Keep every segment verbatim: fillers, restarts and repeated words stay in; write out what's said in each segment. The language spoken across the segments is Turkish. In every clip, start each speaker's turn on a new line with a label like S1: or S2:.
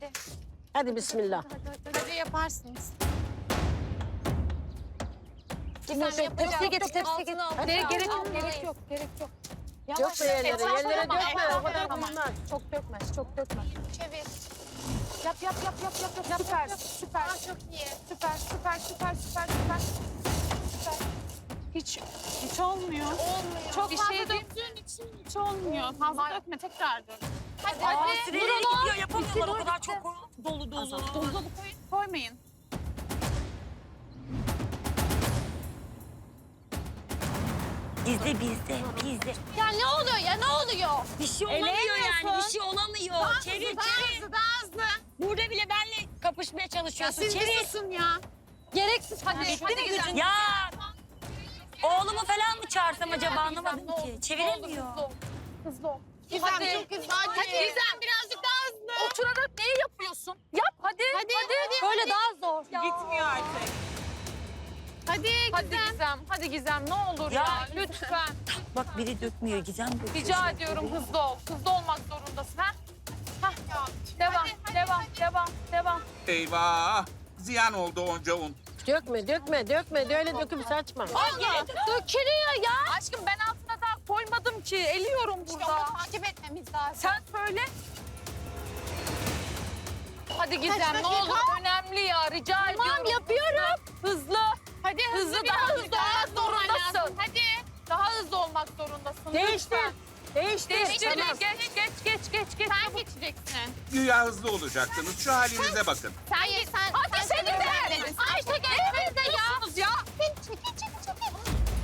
S1: hadi.
S2: Hadi bismillah.
S1: Hadi yaparsınız.
S3: Tepsiye getir, tepsiye getir.
S1: Gerek, gerek yok, gerek yok, gerek yok.
S2: Yok be yerlere, yerlere dökme. O kadar
S1: Tamam.
S2: bulunmaz.
S1: Çok dökmez, çok dökmez.
S3: Çevir.
S1: Yap, yap, yap, yap, yap, yap. Süper, süper.
S3: Çok iyi.
S1: Süper, süper, süper, süper, süper. Süper. Hiç, hiç olmuyor.
S3: Olmuyor.
S1: Çok
S4: Bir
S1: fazla
S4: şey
S1: dök.
S4: döktüğün için hiç olmuyor. Fazla dökme, tekrar dök.
S3: Hadi
S5: Aa,
S3: hadi.
S5: süreli gidiyor, yapamıyorlar o kadar çok dolu dolu.
S4: Buzdolabı koyun, koymayın.
S5: Bizde bizde bizde.
S3: Ya ne oluyor ya ne oluyor?
S5: Bir şey olamıyor yani bir şey olamıyor. Çevir
S4: Daha
S5: çevir.
S4: hızlı, daha hızlı.
S5: Burada bile benle kapışmaya çalışıyorsun.
S4: Siz
S5: Çevir.
S4: bir susun ya.
S3: Gereksiz.
S4: Hadi,
S5: Bitti
S4: hadi
S5: mi
S4: güzel.
S5: gücün? Ya oğlumu falan mı çağırsam acaba anlamadım
S1: Ne oldu?
S5: ki. Çeviremiyor.
S1: Hızlı ol, hızlı ol.
S4: Gizem
S1: Hadi.
S4: çok hızlı. Hadi.
S1: Hadi.
S4: Gizem birazcık daha hızlı.
S1: Oturarak neyi yapıyorsun? Yap hadi.
S4: Hadi, hadi.
S3: Böyle daha zor.
S4: Gitmiyor artık. Hadi
S1: Hadi
S4: Gizem.
S1: Gizem, hadi Gizem ne olur ya,
S5: Ya.
S1: lütfen.
S5: Bak biri dökmüyor Gizem döküyor.
S1: Rica ediyorum hızlı ol. Hızlı olmak zorundasın ha. Hah. Devam,
S4: Hadi, hadi,
S1: devam,
S4: hadi.
S1: devam, devam.
S6: Eyvah! Ziyan oldu onca un.
S2: Dökme, dökme, dökme. De öyle döküp saçma.
S1: Dökülüyor ya. Aşkım ben altına daha koymadım ki. Eliyorum
S3: İşte
S1: burada.
S3: onu takip etmemiz lazım.
S1: Sen söyle. Hadi Gizem
S3: Kaç
S1: ne
S3: dakika?
S1: olur önemli ya rica ediyorum.
S3: Tamam yapıyorum.
S1: Hızlı.
S4: Hadi hızlı,
S1: Hızlı,
S4: biraz
S1: daha hızlı
S4: daha
S1: olmak
S4: hızlı olman
S1: zorundasın.
S4: lazım. Hadi.
S1: Daha hızlı olmak zorundasın.
S2: Değiştir.
S1: Lütfen.
S2: Değiştir.
S1: Değiştir.
S2: Tamam.
S1: Geç, geç, geç, geç, geç.
S4: Sen geçeceksin.
S6: Güya hızlı olacaksınız. Şu halinize bakın.
S4: Sen geç. Sen,
S1: Hadi
S4: sen
S1: seni de.
S4: çeviremedin.
S1: Ayşe geçsene de ya. ya.
S3: Çekil çekil çekil.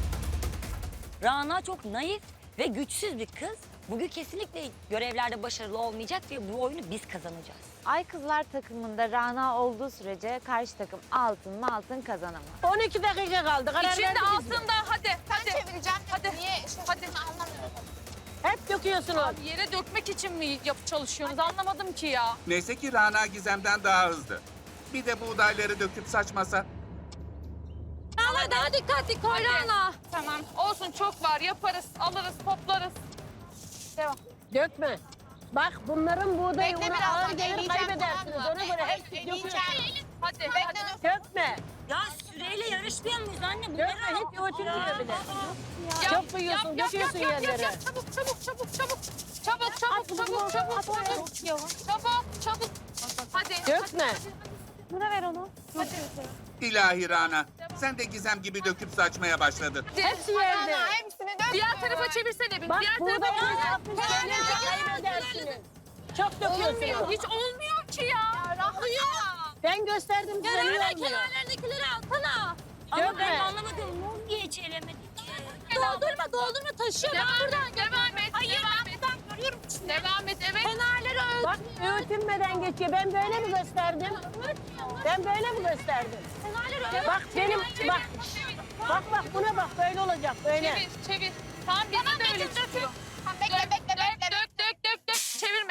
S5: Rana çok naif ve güçsüz bir kız. Bugün kesinlikle görevlerde başarılı olmayacak ve bu oyunu biz kazanacağız.
S7: Ay kızlar takımında Rana olduğu sürece karşı takım altın mı altın kazanamaz.
S2: on iki dakika kaldı. Karar
S1: İçinde
S2: verdik biz.
S1: altında hadi.
S3: Ben
S1: Hadi.
S3: çevireceğim.
S1: Hadi.
S3: Niye şaşırdığını
S1: Hadi.
S3: anlamıyorum.
S2: Hep döküyorsunuz.
S1: Abi yere dökmek için mi yap çalışıyorsunuz anlamadım ki ya.
S6: Neyse ki Rana Gizem'den daha hızlı. Bir de buğdayları döküp saçmasa.
S1: Ama daha dikkatli koy Rana. Tamam. Olsun çok var yaparız alırız toplarız. Devam.
S2: Dökme. Bak bunların buğdayı
S3: Bekle
S2: unu
S3: birazdan,
S2: ağır gelir
S3: eleyeceğim,
S2: kaybedersiniz.
S3: tamam mı?
S2: Ona göre hep
S3: Eleyeceğim.
S2: döküyorsunuz.
S1: Hadi
S3: Bekle
S1: hadi.
S3: dur.
S2: Dökme.
S5: Ya süreyle yarışmıyor muyuz anne? Bu
S2: Dökme. Hiç ötürmüyor bile. Çok duyuyorsun, döküyorsun
S1: yap, yap,
S2: yerlere.
S1: Yap, çabuk çabuk çabuk çabuk. Çabuk çabuk çabuk çabuk çabuk. Çabuk çabuk. Hadi.
S2: Dökme.
S7: Buna ver onu.
S6: İlahi Rana. Sen de Gizem gibi döküp saçmaya başladın.
S2: Hepsi yerde.
S3: Ana hepsini dök.
S1: Diğer tarafa çevirsene bir.
S2: Bak
S1: Diğer
S2: buğdayı
S1: tarafa.
S2: yapmış. Gelirse kaybedersiniz. Çok döküyorsunuz.
S1: Olmuyor. Hiç olmuyor ki ya.
S2: Ben gösterdim size niye olmuyor.
S1: kenarlardakileri alsana.
S5: Ama
S2: Dökme.
S5: ben anlamadım. Mum niye hiç elemedik ki?
S1: Doldurma, doldurma taşıyor. Devam buradan devam et. Hayır, devam et. Ben görüyorum şimdi. Devam et, evet. Kenarları öt.
S2: Bak öğütülmeden geçiyor. Ben böyle mi gösterdim? Ben böyle mi gösterdim?
S1: Kenarları öt.
S2: Bak benim bak. Bak bak buna bak böyle olacak böyle.
S1: Çevir, çevir. Tamam, bizi de öyle çıkıyor.
S3: Tamam, bekle bekle
S1: Dök,
S3: bekle.
S1: dök, dök, dök, dök. Çevirme.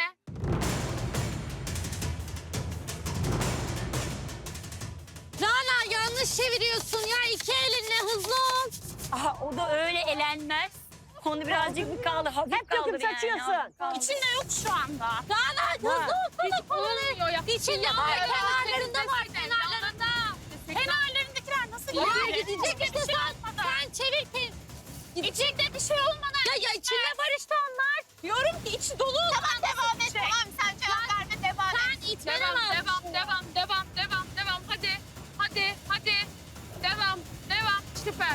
S3: Rana yanlış çeviriyorsun ya. İki elinle hızlı ol.
S5: Aha o da öyle elenmez. Onu birazcık bir kaldı. Hafif
S2: Hep
S5: kaldır
S2: döküp
S5: yani.
S2: saçıyorsun.
S5: hafif kaldır.
S4: İçinde yok şu anda.
S1: Rana, hızlı olsana kolunu. Ya. İçinde var, kenarlarında var, kenarlarında.
S4: Kenarlarındakiler nasıl
S1: Ya,
S4: gidiyor?
S1: gidecek
S4: Bir şey olmadan.
S1: Sen çevir ki.
S4: İçinde bir şey olmadan.
S1: Ya, ya içinde var işte onlar. Diyorum ki içi dolu.
S3: Tamam devam et. Tamam sen cevap verme devam et.
S1: Sen itmeni devam, devam, devam, devam, devam, devam. Hadi, hadi, hadi. Devam, devam. Süper.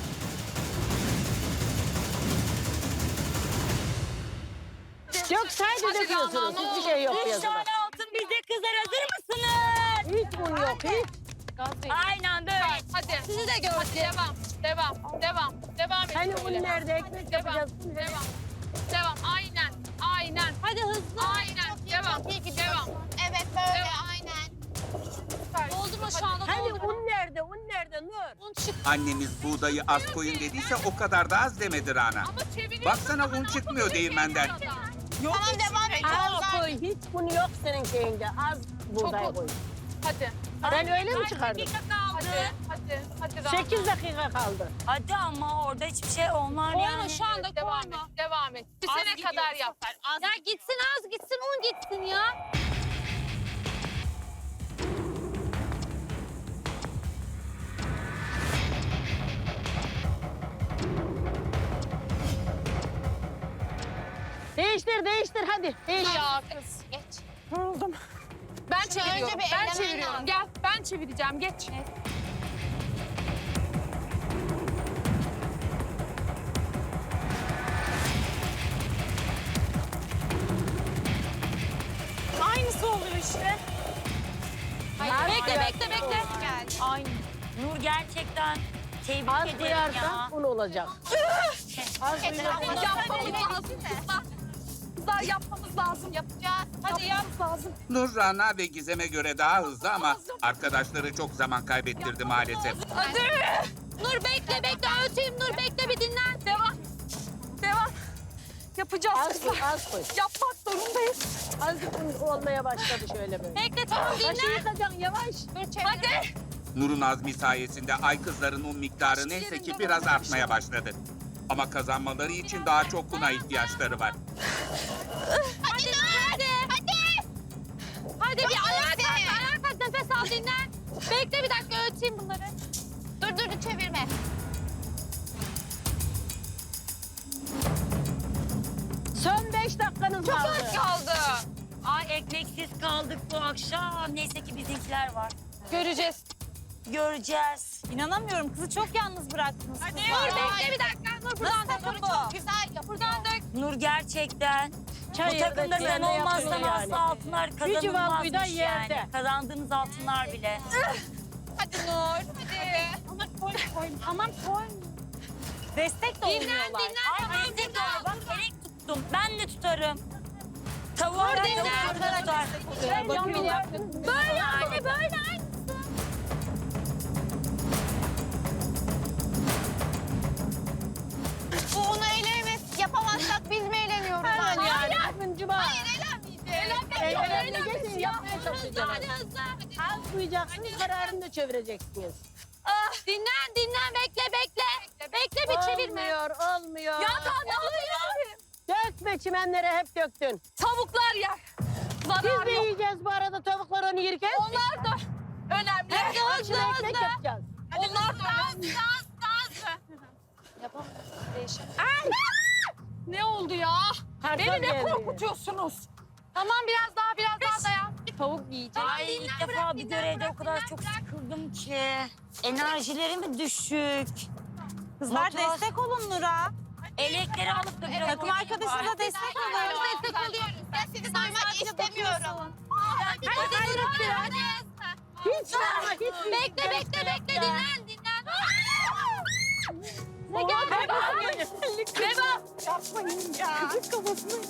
S2: Yok sadece
S1: Hadi
S2: döküyorsunuz.
S1: Rana, ne
S2: Hiçbir şey yok
S5: Üç
S2: yazıda.
S5: tane altın bizde kızlar hazır mısınız?
S2: Hiç un yok hiç.
S1: Gaz değil.
S5: Aynen böyle.
S1: Hadi. Sizi de gördüm. Hadi devam, devam, devam. Devam et.
S2: Hani
S1: böyle.
S2: un nerede? Ekmek
S1: Devam,
S2: yapacağız.
S1: devam. Devam, aynen, aynen. Hadi hızlı. Aynen,
S3: Çok iyi,
S1: devam,
S3: çok iyi
S1: devam.
S3: gidiyorsun. Evet böyle
S1: Devam.
S3: aynen.
S1: Doldurma şu anda
S2: Hani
S1: doldurma.
S2: un nerede? Un nerede Nur?
S1: Un çık.
S6: Annemiz buğdayı az koyun dediyse o kadar da az demedi Rana.
S1: Ama çeviriyorsun.
S6: Baksana un çıkmıyor değirmenden.
S3: Tamam devam et.
S2: Az koy. Hiç un yok senin şeyinde. Az buğday
S1: Çok-
S2: koy.
S1: Hadi.
S2: Ben öyle mi çıkardım?
S1: Hadi, hadi, hadi. Rana.
S2: Sekiz dakika kaldı.
S5: Hadi ama orada hiçbir şey olmaz
S1: Koyma
S5: yani.
S1: şu anda devam et, devam et. Bir
S4: Az
S1: sene
S4: gidiyor
S1: kadar
S4: bu
S1: yap.
S4: sefer, az
S1: Ya gitsin az gitsin un gitsin ya.
S2: Değiştir, değiştir hadi. Değiştir.
S1: Ya kız.
S4: Geç.
S1: Yoruldum. Ben çeviriyorum.
S4: önce bir
S1: Ben
S4: elemen
S1: çeviriyorum.
S4: lazım.
S1: Gel ben çevireceğim. Geç.
S4: Aynısı oluyor işte.
S1: Bekle bekle bekle.
S4: Aynı.
S5: Nur gerçekten tebrik
S2: Az
S5: ederim
S2: koyarsan
S5: ya.
S2: un olacak. Az koyarsan.
S1: Yapmamız lazım. Kızlar. Kızlar yapmamız lazım.
S4: Yapacağız. Hadi yap.
S1: Yapmamız lazım.
S6: Nur, Rana ve Gizem'e göre daha hızlı ama arkadaşları çok zaman kaybettirdi maalesef.
S1: Hadi. Nur bekle bekle. Öteyim Nur bekle bir dinlen. Devam. Devam. Yapacağız
S2: Az koy,
S1: kızlar.
S2: az koy.
S1: Yapmak zorundayız.
S2: Azıcık un olmaya başladı şöyle böyle.
S1: Bekle tamam
S2: Başı
S1: dinlen.
S2: yıkacaksın yavaş.
S4: Dur çevir.
S1: Hadi.
S6: Nur'un azmi sayesinde ay kızların un miktarı neyse ki biraz artmaya başladı. Ama kazanmaları için daha çok una ihtiyaçları var.
S1: Hadi hadi. Hadi. Hadi bir ayağa kalk. Ayağa kalk nefes al dinlen. Bekle bir dakika öteyim bunları.
S4: Dur dur dur çevirme.
S2: Son beş dakikanız
S1: Çok
S2: kaldı.
S1: az kaldı.
S5: Ay ekmeksiz kaldık bu akşam. Neyse ki bizimkiler var.
S1: Göreceğiz.
S5: Göreceğiz.
S3: İnanamıyorum kızı çok yalnız bıraktınız.
S1: Nur bekle bir dakika. Nur buradan dök
S4: Bunu
S1: onu.
S4: çok güzel yapıyor.
S1: Buradan dök.
S5: Nur gerçekten.
S2: Çay
S5: Bu takımda
S2: yerde
S5: sen
S2: yerde
S5: olmazsan
S2: yapıyor yani.
S5: asla altınlar
S2: çuval buğday
S5: kazanılmazmış
S2: yerde.
S5: yani. Kazandığınız altınlar bile.
S1: Hadi Nur. Hadi.
S4: Ama koy koy. Aman koy.
S3: Destek de
S1: Dinlen
S3: olmuyorlar.
S1: dinlen.
S5: Ay destek de olur. Bak elek tuttum. Ben de tutarım. Tavuğa ben
S1: dinle.
S5: tavuk tutar.
S1: Böyle anne böyle anne.
S4: Bu onu elemeyiz. Yapamazsak biz mi elemiyoruz?
S2: Hemen
S4: anne?
S2: yani. Bugün cuma.
S4: Hayır elenmeyeceğiz.
S2: Eğlenmeye geçin yapmaya çalışacağız.
S1: Hadi hızlı.
S2: Az koyacaksınız kararını da çevireceksiniz.
S1: Ah, dinlen dinlen bekle bekle. Bekle bir çevirme.
S2: Olmuyor, olmuyor.
S1: Ya daha ne oluyor?
S2: Dökme çimenlere hep döktün.
S1: Tavuklar yer.
S2: Biz
S1: Zarar
S2: de
S1: yok.
S2: yiyeceğiz bu arada tavuklar onu yerken.
S1: Onlar da önemli.
S2: Akşam
S1: Hızlı
S2: ekmek
S1: hızlı.
S2: yapacağız.
S1: Onlar da önemli. Ay! Ne oldu ya?
S2: Kartal
S1: Beni ne
S2: geldi.
S1: korkutuyorsunuz? Tamam biraz daha biraz daha dayan. Tavuk yiyeceğim.
S5: Ay ilk defa bir görevde o kadar çok sıkıldım ki. Enerjilerim düşük.
S3: Kızlar
S5: Motivasyon-
S3: destek olun Nur'a.
S5: Elekleri alıp da biraz
S3: Takım arkadaşınıza destek olun.
S4: Destek oluyoruz. Ben sizi duymak istemiyorum.
S1: Hadi hadi hadi. hadi.
S2: Hiç ama hiç.
S1: Bekle bekle bekle dinlen dinlen. Ne geldi? Devam.
S2: Yapmayın ya. Çocuk kafasına.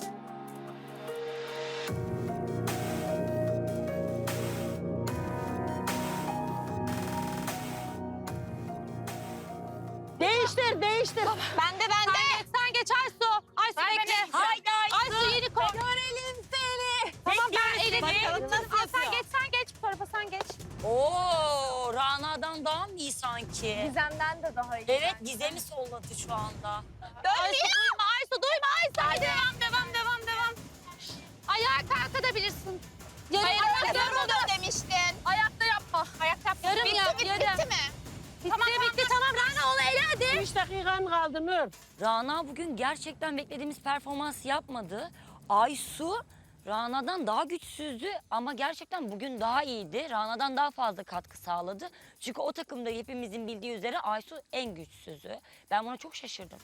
S2: Değiştir, değiştir.
S1: Ben de ben de. Sen geç, sen geç Aysu. Aysu bekle.
S5: Haydi Aysu.
S1: Aysu yeni koy. Görelim seni. Tamam ben elini.
S3: Bakalım nasıl
S1: Al, sen
S3: yapıyor.
S1: geç sen geç bu tarafa sen geç.
S5: Oo, Rana'dan daha mı iyi sanki?
S1: Gizem'den de daha iyi.
S5: Evet, Gizem'i solladı şu anda.
S1: Aysu duyma Aysu duyma Aysu. Hadi. Devam devam devam devam. Ayağa kalkabilirsin. Yarım
S4: Ayakta
S1: yap, yarım
S4: durmadım
S1: yap.
S4: demiştin.
S1: Ayakta yapma.
S4: Ayakta yaptın.
S1: Yarım
S4: bitti,
S1: yap,
S4: bitti,
S1: yarım.
S4: bitti mi?
S1: Bitti bitti tamam Rana onu ele hadi.
S2: Üç dakikan kaldı Nur.
S5: Rana bugün gerçekten beklediğimiz performans yapmadı. Aysu Rana'dan daha güçsüzdü ama gerçekten bugün daha iyiydi. Rana'dan daha fazla katkı sağladı. Çünkü o takımda hepimizin bildiği üzere Aysu en güçsüzü. Ben buna çok şaşırdım.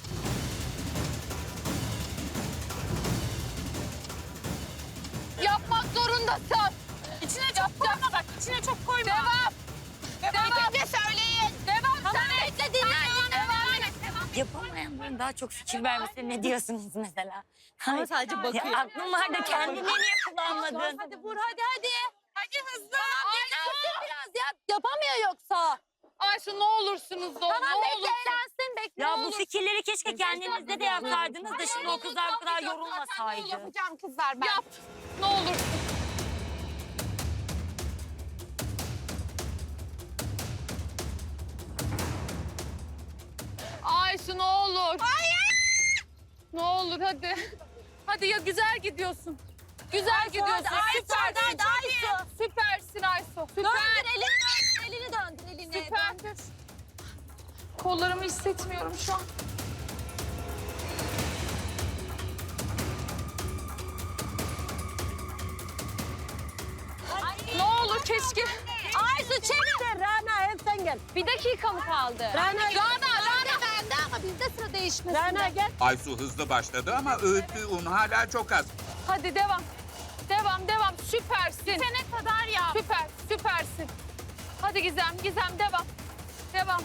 S1: Yapmak zorundasın. İçine çok koyma bak içine çok koyma. Devam. Devam.
S4: Bitince söyleyin.
S1: Devam. Sen bekle dinlen. Devam et. Devam.
S5: Yapamayanların daha çok fikir vermesine ne diyorsunuz mesela?
S3: Ama sadece bakıyor.
S5: Ya aklım var da kendini niye kullanmadın?
S1: Hadi vur hadi hadi. Hadi hızlı. Dinlensin biraz ya. Yapamıyor yoksa. Ayşe ne olursunuz o.
S4: Tamam,
S1: ne
S4: bekle,
S1: olur. Eğlensin bekle.
S5: Ya
S1: ne
S5: bu
S1: olur.
S5: fikirleri keşke kendinizde de yapsaydınız da şimdi o kızlar bu kadar yorulmasaydı.
S4: Yapacağım kızlar ben.
S1: Yap. Ne olur. Ayşe ne olur. Hayır. Ne olur hadi. Hadi ya güzel gidiyorsun. Güzel gidiyorsun. Süpersin.
S3: hadi Aysu.
S1: Süpersin Aysu. Süper.
S3: Döndür elini döndür. Elini döndür elini.
S1: Süper. Kollarımı hissetmiyorum şu an. Hiç ki. Aysu çevir.
S2: Rana hep sen gel.
S1: Bir dakika mı kaldı?
S2: Rana,
S1: Rana, Rana bende ama bizde sıra değişmesin.
S2: Rana gel.
S6: Aysu hızlı başladı ama öğüttüğü un hala çok az.
S1: Hadi devam. Devam, devam. Süpersin. Bitene kadar ya. Süper, süpersin. Hadi Gizem, Gizem devam. Devam.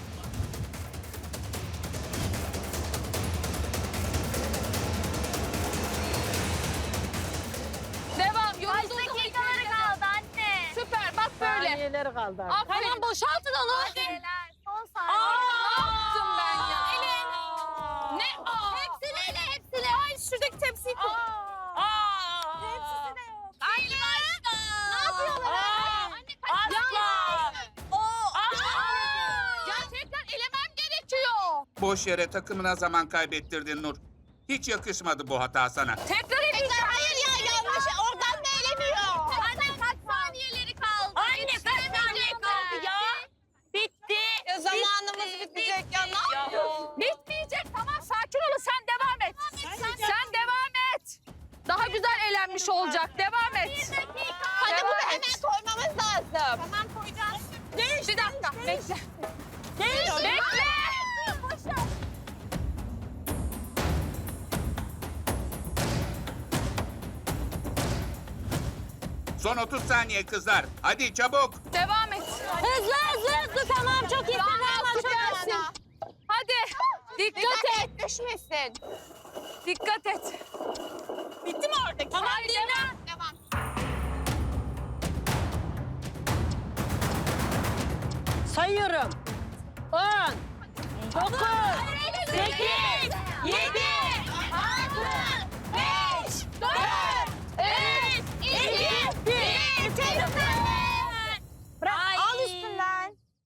S1: Devam. Yoruldun.
S4: Dakikaları kaldı anne.
S1: Süper, bak böyle.
S2: Saniyeleri kaldı.
S1: Aferin.
S3: Tamam boşaltın onu.
S4: Hadi. Son
S1: Aa,
S4: saniye.
S1: ne yaptım ben ya?
S4: Elin.
S1: Ne? Aa.
S4: Hepsini ele hepsini. Ay şuradaki tepsiyi koy. Hepsini yok.
S1: Anne.
S4: Ne yapıyorlar?
S1: Aa.
S4: Anne kaç
S1: Asla.
S4: Oo.
S1: Gerçekten elemem gerekiyor.
S6: Boş yere takımına zaman kaybettirdin Nur. Hiç yakışmadı bu hata sana.
S1: Tekrar edeceğim.
S4: Hayır ya yanlış. Oradan da elemiyor. Anne kaç saniyeleri kaldı?
S5: Anne kaç saniye kaldı ya? Bitti.
S4: Ya zamanımız bitecek ya. Ne yapıyorsun?
S1: Bitmeyecek. Tamam sakin olun. Sen devam et. Sen devam et. Daha güzel elenmiş olacak. Devam et.
S4: Hadi
S1: Devam
S4: bunu
S1: et.
S4: hemen koymamız lazım. Tamam koyacağız.
S1: Bir dakika. Bekle. Bekle.
S6: Son otuz saniye kızlar. Hadi çabuk.
S1: Devam et.
S3: Hızlı hızlı hızlı tamam çok iyi.
S1: Rana süpersin. Hadi. Dikkat et.
S4: et düşmesin.
S1: Dikkat et.
S4: Bitti mi oradaki?
S1: Tamam dinle.
S4: Devam.
S2: Sayıyorum. On, dokuz, sekiz,